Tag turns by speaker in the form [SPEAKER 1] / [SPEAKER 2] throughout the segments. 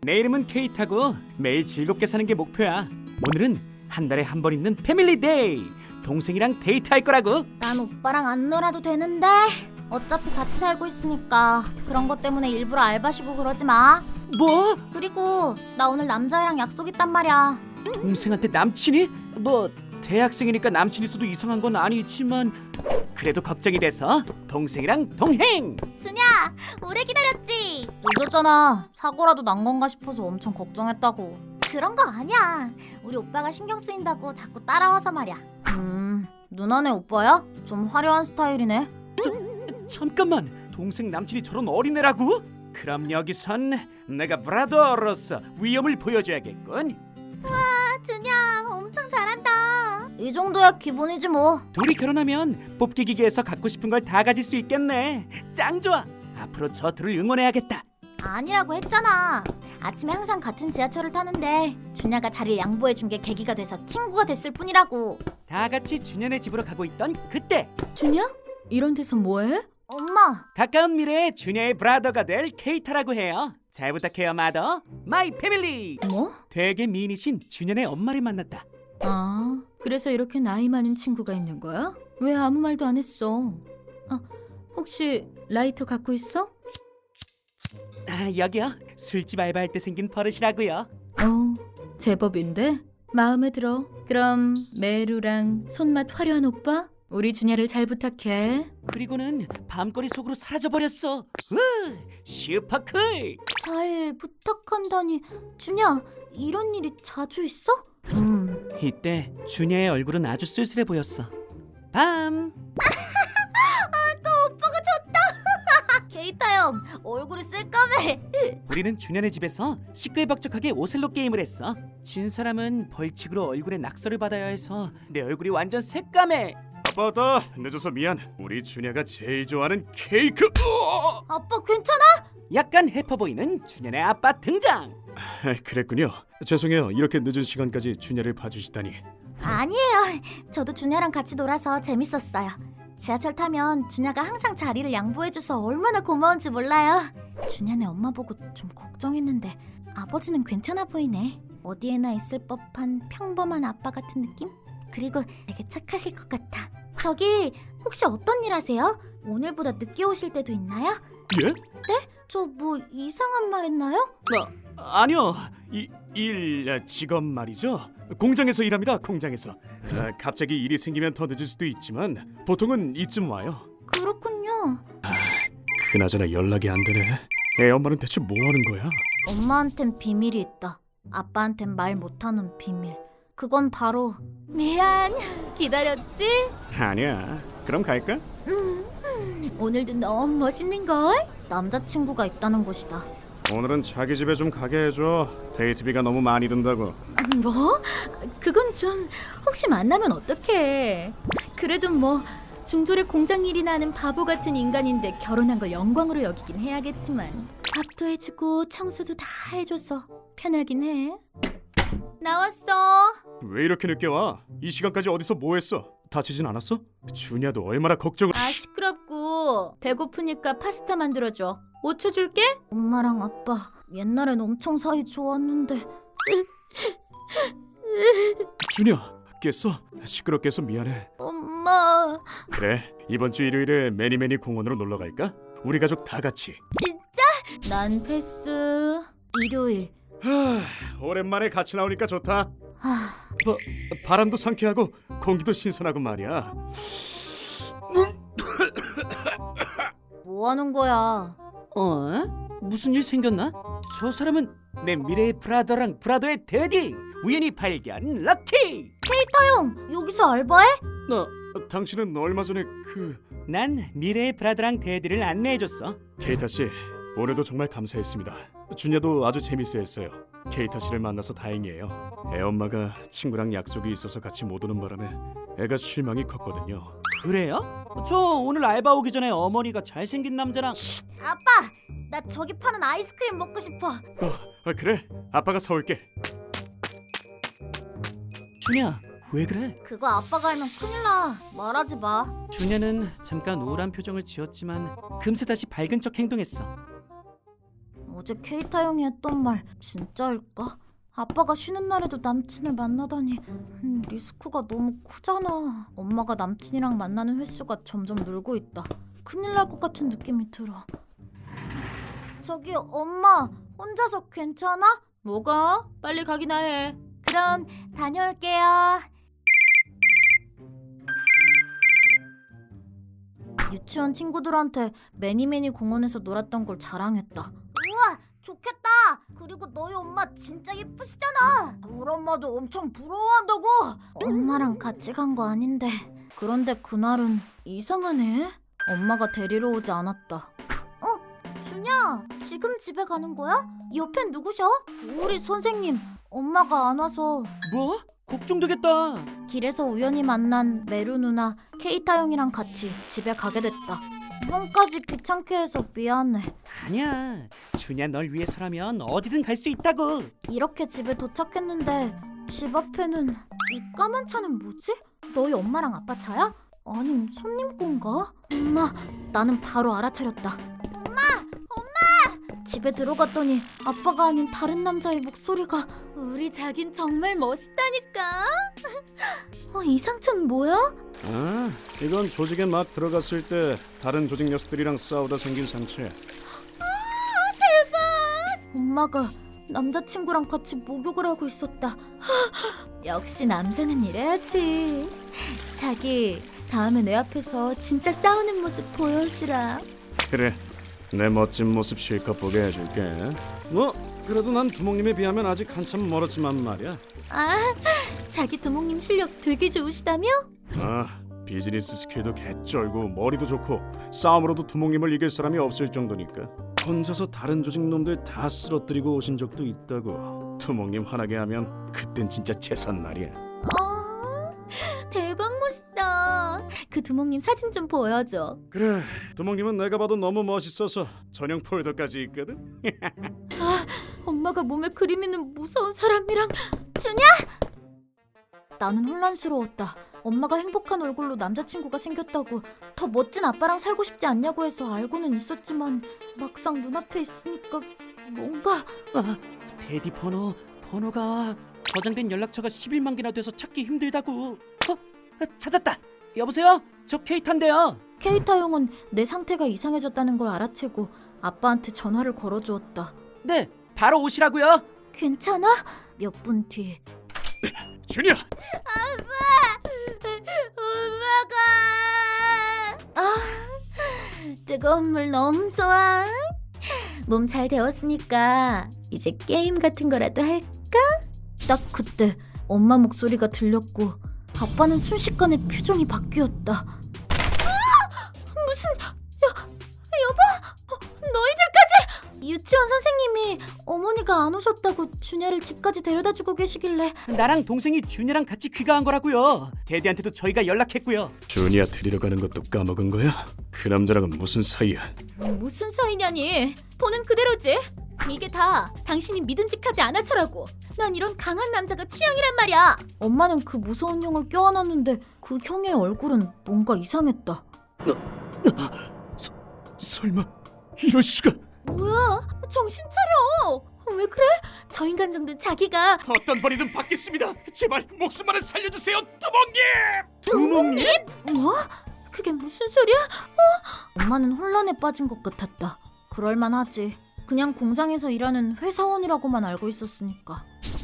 [SPEAKER 1] 내 이름은 케이타고 매일 즐겁게 사는 게 목표야. 오늘은 한 달에 한 번 있는 패밀리 데이. 동생이랑 데이트할 거라고.
[SPEAKER 2] 난 오빠랑 안 놀아도 되는데 어차피 같이 살고 있으니까 그런 것 때문에 일부러 알바시고 그러지 마.
[SPEAKER 1] 뭐?
[SPEAKER 2] 그리고 나 오늘 남자애랑 약속 있단 말이야.
[SPEAKER 1] 동생한테 남친이? 뭐 대학생이니까 남친 있어도 이상한 건 아니지만 그래도 걱정이 돼서 동생이랑 동행.
[SPEAKER 2] 준야, 오래 기다렸지? 늦었잖아. 사고라도 난 건가 싶어서 엄청 걱정했다고. 그런 거 아니야. 우리 오빠가 신경 쓰인다고 자꾸 따라와서 말이야. 누나네 오빠야? 좀 화려한 스타일이네.
[SPEAKER 1] 잠깐만, 동생 남친이 저런 어린애라고? 그럼 여기선 내가 브라더로서 위엄을 보여줘야겠군.
[SPEAKER 2] 아, 준야, 엄청 잘한다. 이 정도야 기본이지 뭐.
[SPEAKER 1] 둘이 결혼하면 뽑기 기계에서 갖고 싶은 걸 다 가질 수 있겠네. 짱 좋아. 앞으로 저 둘을 응원해야겠다.
[SPEAKER 2] 아니라고 했잖아. 아침에 항상 같은 지하철을 타는데 준야가 자리를 양보해준 게 계기가 돼서 친구가 됐을 뿐이라고.
[SPEAKER 1] 다 같이 준현의 집으로 가고 있던 그때
[SPEAKER 3] 준야? 이런 데서 뭐해?
[SPEAKER 2] 엄마,
[SPEAKER 1] 가까운 미래에 준현의 브라더가 될 케이타라고 해요. 잘 부탁해요, 마더. 마이 패밀리.
[SPEAKER 3] 뭐?
[SPEAKER 1] 되게 미인이신 준현의 엄마를 만났다.
[SPEAKER 3] 아, 그래서 이렇게 나이 많은 친구가 있는 거야? 왜 아무 말도 안 했어? 아, 혹시 라이터 갖고 있어?
[SPEAKER 1] 아, 여기요. 술집 알바할 때 생긴 버릇이라고요.
[SPEAKER 3] 제법인데? 마음에 들어. 그럼 메루랑 손맛 화려한 오빠? 우리 준야를 잘 부탁해.
[SPEAKER 1] 그리고는 밤거리 속으로 사라져버렸어. 슈퍼쿨.
[SPEAKER 2] 잘 부탁한다니. 준야, 이런 일이 자주 있어?
[SPEAKER 1] 이때 준현의 얼굴은 아주 쓸쓸해 보였어. 밤.
[SPEAKER 2] 케이타 형, 얼굴이 새까매.
[SPEAKER 1] 우리는 준현의 집에서 시끌벅적하게 오셀로 게임을 했어. 진 사람은 벌칙으로 얼굴에 낙서를 받아야 해서 내 얼굴이 완전 새까매.
[SPEAKER 4] 아빠다 늦어서 미안. 우리 준야가 제일 좋아하는 케이크.
[SPEAKER 2] 아빠 괜찮아?
[SPEAKER 1] 약간 해퍼 보이는 준현의 아빠 등장.
[SPEAKER 4] 그랬군요. 죄송해요. 이렇게 늦은 시간까지 준야를 봐주시다니.
[SPEAKER 2] 아니에요. 저도 준야랑 같이 놀아서 재밌었어요. 지하철 타면 준야가 항상 자리를 양보해줘서 얼마나 고마운지 몰라요. 준야네 엄마 보고 좀 걱정했는데 아버지는 괜찮아 보이네. 어디에나 있을 법한 평범한 아빠 같은 느낌? 그리고 되게 착하실 것 같아. 저기 혹시 어떤 일 하세요? 오늘보다 늦게 오실 때도 있나요?
[SPEAKER 4] 예?
[SPEAKER 2] 저 뭐 이상한 말 했나요?
[SPEAKER 4] 아니요. 직업 말이죠. 공장에서 일합니다. 공장에서. 갑자기 일이 생기면 더 늦을 수도 있지만 보통은 이쯤 와요.
[SPEAKER 2] 그렇군요.
[SPEAKER 4] 그나저나 연락이 안 되네. 애 엄마는 대체 뭐 하는 거야?
[SPEAKER 2] 엄마한텐 비밀이 있다. 아빠한텐 말 못하는 비밀. 그건 바로 미안. 기다렸지?
[SPEAKER 4] 아니야. 그럼 갈까?
[SPEAKER 2] 오늘도 너무 멋있는걸? 남자친구가 있다는 것이다.
[SPEAKER 4] 오늘은 자기 집에 좀 가게 해줘. 데이트비가 너무 많이 든다고.
[SPEAKER 3] 뭐? 그건 좀 혹시 만나면 어떡해. 그래도 뭐 중졸의 공장 일이나 하는 바보 같은 인간인데 결혼한 걸 영광으로 여기긴 해야겠지만 밥도 해주고 청소도 다 해줘서 편하긴 해. 나왔어.
[SPEAKER 4] 왜 이렇게 늦게 와? 이 시간까지 어디서 뭐 했어? 다치진 않았어? 준야도 얼마나 걱정을.
[SPEAKER 3] 아, 시끄럽고 배고프니까 파스타 만들어줘. 5초 줄게.
[SPEAKER 2] 엄마랑 아빠 옛날엔 엄청 사이 좋았는데.
[SPEAKER 4] 준야 깼어? 시끄럽게 해서 미안해.
[SPEAKER 2] 엄마,
[SPEAKER 4] 그래 이번 주 일요일에 매니매니 공원으로 놀러 갈까? 우리 가족 다 같이.
[SPEAKER 2] 진짜?
[SPEAKER 3] 난 패스.
[SPEAKER 2] 일요일.
[SPEAKER 4] 오랜만에 같이 나오니까 좋다.
[SPEAKER 2] 하,
[SPEAKER 4] 바람도 상쾌하고 공기도 신선하고 말이야.
[SPEAKER 2] 뭐 하는 거야?
[SPEAKER 1] 무슨 일 생겼나? 저 사람은 내 미래의 브라더랑 브라더의 데디. 우연히 발견 럭키.
[SPEAKER 2] 케이타 형, 여기서 알바해?
[SPEAKER 4] 당신은 얼마 전에
[SPEAKER 1] 난 미래의 브라더랑 데디를 안내해줬어.
[SPEAKER 4] 케이타 씨 오늘도 정말 감사했습니다. 준야도 아주 재밌어했어요. 케이타 씨를 만나서 다행이에요. 애 엄마가 친구랑 약속이 있어서 같이 못 오는 바람에 애가 실망이 컸거든요.
[SPEAKER 1] 그래요? 저 오늘 알바 오기 전에 어머니가 잘생긴 남자랑.
[SPEAKER 2] 아빠, 나 저기 파는 아이스크림 먹고 싶어.
[SPEAKER 4] 그래 아빠가 사올게.
[SPEAKER 1] 준야, 왜 그래?
[SPEAKER 2] 그거 아빠가 알면 큰일 나. 말하지 마.
[SPEAKER 1] 준야는 잠깐 우울한 표정을 지었지만 금세 다시 밝은 척 행동했어.
[SPEAKER 2] 어제 케이타 형이 했던 말 진짜일까? 아빠가 쉬는 날에도 남친을 만나다니 리스크가 너무 크잖아. 엄마가 남친이랑 만나는 횟수가 점점 늘고 있다. 큰일 날 것 같은 느낌이 들어. 저기 엄마, 혼자서 괜찮아?
[SPEAKER 3] 뭐가? 빨리 가기나 해.
[SPEAKER 2] 그럼 다녀올게요. 유치원 친구들한테 매니매니 공원에서 놀았던 걸 자랑했다. 우와, 좋겠다. 그리고 너희 엄마 진짜 예쁘시잖아. 우리 엄마도 엄청 부러워한다고. 엄마랑 같이 간 거 아닌데. 그런데 그날은 이상하네. 엄마가 데리러 오지 않았다. 준야, 지금 집에 가는 거야? 옆엔 누구셔? 우리 선생님. 엄마가 안 와서.
[SPEAKER 1] 뭐? 걱정되겠다.
[SPEAKER 2] 길에서 우연히 만난 메루 누나, 케이타 형이랑 같이 집에 가게 됐다. 형까지 귀찮게 해서 미안해.
[SPEAKER 1] 아니야. 준야 널 위해서라면 어디든 갈 수 있다고.
[SPEAKER 2] 이렇게 집에 도착했는데 집 앞에는 이 까만 차는 뭐지? 너희 엄마랑 아빠 차야? 아님 손님 건가? 엄마, 나는 바로 알아차렸다. 엄마! 집에 들어갔더니 아빠가 아닌 다른 남자의 목소리가.
[SPEAKER 3] 우리 자긴 정말 멋있다니까. 이 상처는 뭐야?
[SPEAKER 4] 아, 이건 조직에 막 들어갔을 때 다른 조직 녀석들이랑 싸우다 생긴 상처야.
[SPEAKER 2] 엄마가 남자친구랑 같이 목욕을 하고 있었다.
[SPEAKER 3] 역시 남자는 이래야지. 자기, 다음에 내 앞에서 진짜 싸우는 모습 보여주라.
[SPEAKER 4] 그래, 내 멋진 모습 실컷 보게 해줄게. 뭐 그래도 난 두목님에 비하면 아직 한참 멀었지만 말이야.
[SPEAKER 3] 아, 자기 두목님 실력 되게 좋으시다며?
[SPEAKER 4] 아, 비즈니스 스킬도 개쩔고 머리도 좋고 싸움으로도 두목님을 이길 사람이 없을 정도니까 혼자서 다른 조직 놈들 다 쓰러뜨리고 오신 적도 있다고. 두목님 화나게 하면 그땐 진짜 재산날이야.
[SPEAKER 3] 대박 멋있다. 그 두목님 사진 좀 보여줘.
[SPEAKER 4] 그래, 두목님은 내가 봐도 너무 멋있어서 전용 폴더까지 있거든.
[SPEAKER 3] 엄마가 몸에 그림 있는 무서운 사람이랑.
[SPEAKER 2] 나는 혼란스러웠다. 엄마가 행복한 얼굴로 남자친구가 생겼다고, 더 멋진 아빠랑 살고 싶지 않냐고 해서 알고는 있었지만 막상 눈앞에 있으니까 뭔가.
[SPEAKER 1] 데디 번호가 저장된 연락처가 11만 개나 돼서 찾기 힘들다고. 찾았다. 여보세요? 저 케이타인데요.
[SPEAKER 2] 케이타 형은 내 상태가 이상해졌다는 걸 알아채고 아빠한테 전화를 걸어주었다.
[SPEAKER 1] 네, 바로 오시라고요.
[SPEAKER 2] 괜찮아? 몇 분 뒤.
[SPEAKER 4] 준이야.
[SPEAKER 3] 엄마가. 뜨거운 물 너무 좋아. 몸 잘 데웠으니까 이제 게임 같은 거라도 할까?
[SPEAKER 2] 딱 그때 엄마 목소리가 들렸고 아빠는 순식간에 표정이 바뀌었다.
[SPEAKER 3] 무슨 여보? 너희들까지?
[SPEAKER 2] 유치원 선생님이 어머니가 안 오셨다고 준야를 집까지 데려다주고 계시길래.
[SPEAKER 1] 나랑 동생이 준이랑 같이 귀가한 거라고요. 데디한테도 저희가 연락했고요.
[SPEAKER 4] 준이야 데리러 가는 것도 까먹은 거야? 그 남자랑은 무슨 사이야?
[SPEAKER 3] 무슨 사이냐니? 보는 그대로지. 이게 다 당신이 믿음직하지 않아서라고. 난 이런 강한 남자가 취향이란 말이야.
[SPEAKER 2] 엄마는 그 무서운 형을 껴안았는데 그 형의 얼굴은 뭔가 이상했다.
[SPEAKER 4] 설마 이럴 수가?
[SPEAKER 3] 뭐야? 정신 차려. 왜 그래? 저 인간 정도는 자기가.
[SPEAKER 4] 어떤 벌이든 받겠습니다. 제발 목숨만은 살려주세요,
[SPEAKER 1] 두목님?
[SPEAKER 3] 뭐? 그게 무슨 소리야?
[SPEAKER 2] 엄마는 혼란에 빠진 것 같았다. 그럴만하지. 그냥 공장에서 일하는 회사원이라고만 알고 있었으니까.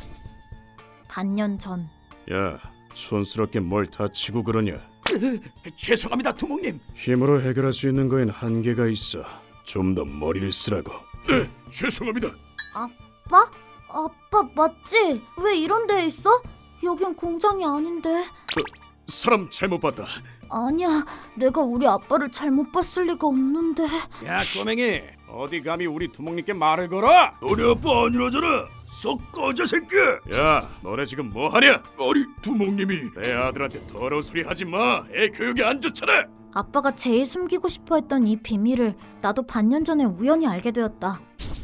[SPEAKER 2] 반년 전.
[SPEAKER 4] 야, 촌스럽게 뭘 다치고 그러냐?
[SPEAKER 1] 죄송합니다, 두목님.
[SPEAKER 4] 힘으로 해결할 수 있는 거엔 한계가 있어. 좀 더 머리를 쓰라고. 죄송합니다.
[SPEAKER 2] 아빠? 아빠 맞지? 왜 이런 데에 있어? 여긴 공장이 아닌데.
[SPEAKER 4] 사람 잘못 봤다.
[SPEAKER 2] 아니야, 내가 우리 아빠를 잘못 봤을 리가 없는데.
[SPEAKER 4] 야, 꼬맹이, 어디 감히 우리 두목님께 말을 걸어? 너네 아빠 아니라잖아. 썩 꺼져 새끼. 야, 너네 지금 뭐 하냐? 아니, 두목님이 내 아들한테 더러운 소리 하지 마. 애 교육이 안 좋잖아.
[SPEAKER 2] 아빠가 제일 숨기고 싶어 했던 이 비밀을 나도 반년 전에 우연히 알게 되었다.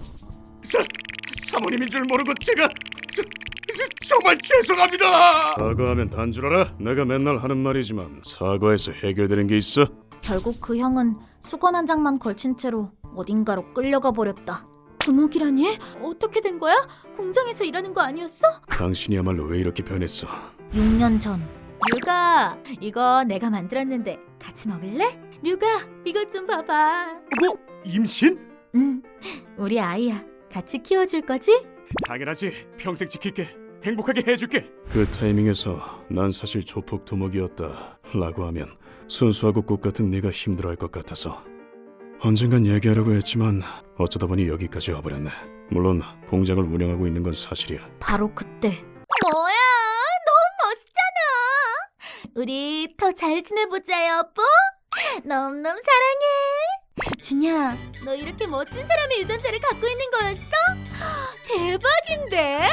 [SPEAKER 4] 사모님인 줄 모르고 제가 정말 죄송합니다. 사과하면 단 줄 알아? 내가 맨날 하는 말이지만 사과해서 해결되는 게 있어?
[SPEAKER 2] 결국 그 형은 수건 한 장만 걸친 채로 어딘가로 끌려가 버렸다.
[SPEAKER 3] 두목이라니? 어떻게 된 거야? 공장에서 일하는 거 아니었어?
[SPEAKER 4] 당신이야말로 왜 이렇게 변했어?
[SPEAKER 2] 6년 전
[SPEAKER 3] 류가, 이거 내가 만들었는데 같이 먹을래? 류가, 이것 좀 봐봐.
[SPEAKER 4] 뭐? 임신?
[SPEAKER 3] 우리 아이야. 같이 키워줄 거지?
[SPEAKER 4] 당연하지. 평생 지킬게. 행복하게 해줄게. 그 타이밍에서 난 사실 조폭 두목이었다 라고 하면 순수하고 꽃 같은 네가 힘들어할 것 같아서 언젠간 얘기하려고 했지만 어쩌다 보니 여기까지 와버렸네. 물론 공장을 운영하고 있는 건 사실이야.
[SPEAKER 2] 바로 그때
[SPEAKER 3] 뭐야, 너무 멋있잖아. 우리 더 잘 지내보자, 여보. 너무너무 사랑해. 준야, 너 이렇게 멋진 사람의 유전자를 갖고 있는 거였어? 대박인데?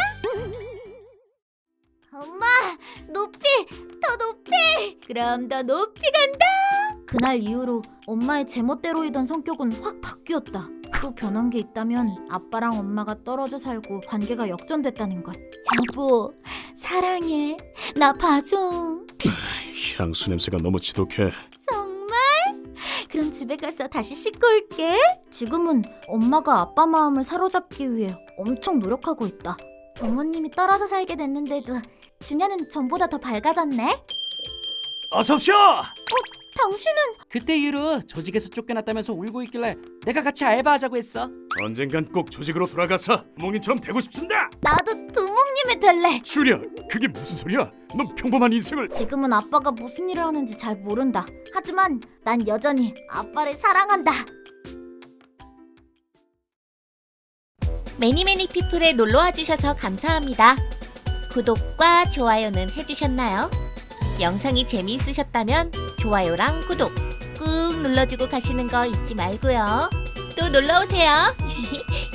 [SPEAKER 3] 엄마, 높이, 더 높이. 그럼 더 높이 간다.
[SPEAKER 2] 그날 이후로 엄마의 제멋대로이던 성격은 확 바뀌었다. 또 변한 게 있다면 아빠랑 엄마가 떨어져 살고 관계가 역전됐다는 것.
[SPEAKER 3] 여보, 사랑해. 나 봐줘.
[SPEAKER 4] 향수 냄새가 너무 지독해.
[SPEAKER 3] 정말? 그럼 집에 가서 다시 씻고 올게.
[SPEAKER 2] 지금은 엄마가 아빠 마음을 사로잡기 위해 엄청 노력하고 있다. 부모님이 떨어져 살게 됐는데도 준야는 전보다 더 밝아졌네.
[SPEAKER 1] 어서 오쇼.
[SPEAKER 2] 당신은
[SPEAKER 1] 그때 이후로 조직에서 쫓겨났다면서 울고 있길래 내가 같이 알바하자고 했어.
[SPEAKER 4] 언젠간 꼭 조직으로 돌아가서 부모님처럼 되고 싶습니다.
[SPEAKER 2] 나도 두목님이 될래.
[SPEAKER 4] 슈리야, 그게 무슨 소리야? 넌 평범한 인생을...
[SPEAKER 2] 지금은 아빠가 무슨 일을 하는지 잘 모른다. 하지만 난 여전히 아빠를 사랑한다.
[SPEAKER 5] 매니매니 피플에 놀러와 주셔서 감사합니다. 구독과 좋아요는 해주셨나요? 영상이 재미있으셨다면 좋아요랑 구독 꾹 눌러주고 가시는 거 잊지 말고요. 또 놀러오세요.